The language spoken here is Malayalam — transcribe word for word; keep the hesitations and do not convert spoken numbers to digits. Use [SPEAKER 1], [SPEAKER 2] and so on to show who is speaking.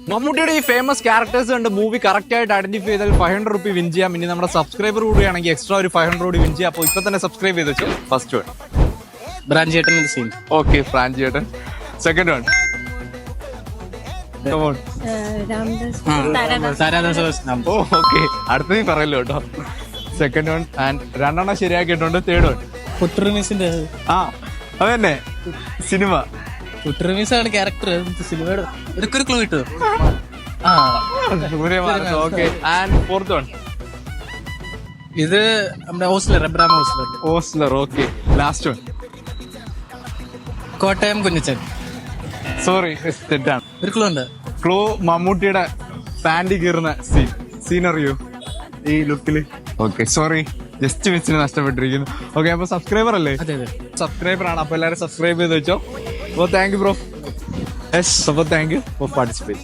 [SPEAKER 1] മമ്മൂട്ടിയുടെ ഈ ഫേമസ് ക്യാരക്ടേഴ്സ് കണ്ട് മൂവി കറക്റ്റ് ആയിട്ട് ഐഡന്റിഫൈ ചെയ്താൽ ഫൈവ് ഹൺഡ്രഡ് റുപ്പി വിൻ ചെയ്യാം. ഇനി നമ്മുടെ സബ്സ്ക്രൈബർ കൂടിയാണെങ്കിൽ എക്സ്ട്രാ ഒരു ഫൈവ് ഹൺഡ്രഡ് കൂടി വിൻ ചെയ്യാം. അപ്പോൾ ഇപ്പൊ തന്നെ സബ്സ്ക്രൈബ് ചെയ്ത് വെച്ചു. ഫസ്റ്റ് വൺ
[SPEAKER 2] ബ്രാഞ്ചേട്ടൻ സീൻ.
[SPEAKER 1] ഓക്കെ, ഫ്രാൻചേട്ടൻ. സെക്കൻഡ് വൺ ഓ ഓക്കെ, അടുത്തത് പറയല്ലോ കേട്ടോ. സെക്കൻഡ് വൺ ആൻഡ് രണ്ടെണ്ണം ശരിയാക്കിയിട്ടുണ്ട്. തേർഡ് വൺ
[SPEAKER 2] കുട്ടറിമീസിന്റെ
[SPEAKER 1] ആ അതന്നെ സിനിമ.
[SPEAKER 2] കുട്ടറിമീസ് ആണ് ക്യാരക്ടർ സിനിമയുടെ. ഇതൊക്കെ ഒരു ക്ലൂ കിട്ടും. ആ
[SPEAKER 1] ഓക്കെ ആൻഡ് ഫോർത്ത് വൺ
[SPEAKER 2] ഇത് നമ്മുടെ hosteler Abraham hosteler.
[SPEAKER 1] Ozler. Okay, last one
[SPEAKER 2] Kottayam Kunjachan.
[SPEAKER 1] Sorry, തെറ്റാണ്.
[SPEAKER 2] ഒരു ക്ലൂ ഉണ്ട്.
[SPEAKER 1] ക്ലൂ മമ്മൂട്ടിയുടെ പാൻറ് കീറുന്ന സീൻ. സീൻ അറിയോ ഈ ലുക്കില്? ഓക്കെ, സോറി, ജസ്റ്റ് മിസ്സിന് നഷ്ടപ്പെട്ടിരിക്കുന്നു. ഓക്കെ, അപ്പൊ സബ്സ്ക്രൈബർ അല്ലേ?
[SPEAKER 2] അതെ അതെ
[SPEAKER 1] സബ്സ്ക്രൈബർ ആണ്. അപ്പൊ എല്ലാവരും സബ്സ്ക്രൈബ് ചെയ്ത് വെച്ചോ. അപ്പോൾ താങ്ക് യു ബ്രോ. യെസ്, അപ്പോൾ താങ്ക് യു ഫോർ പാർട്ടിസിപ്പേറ്റ്.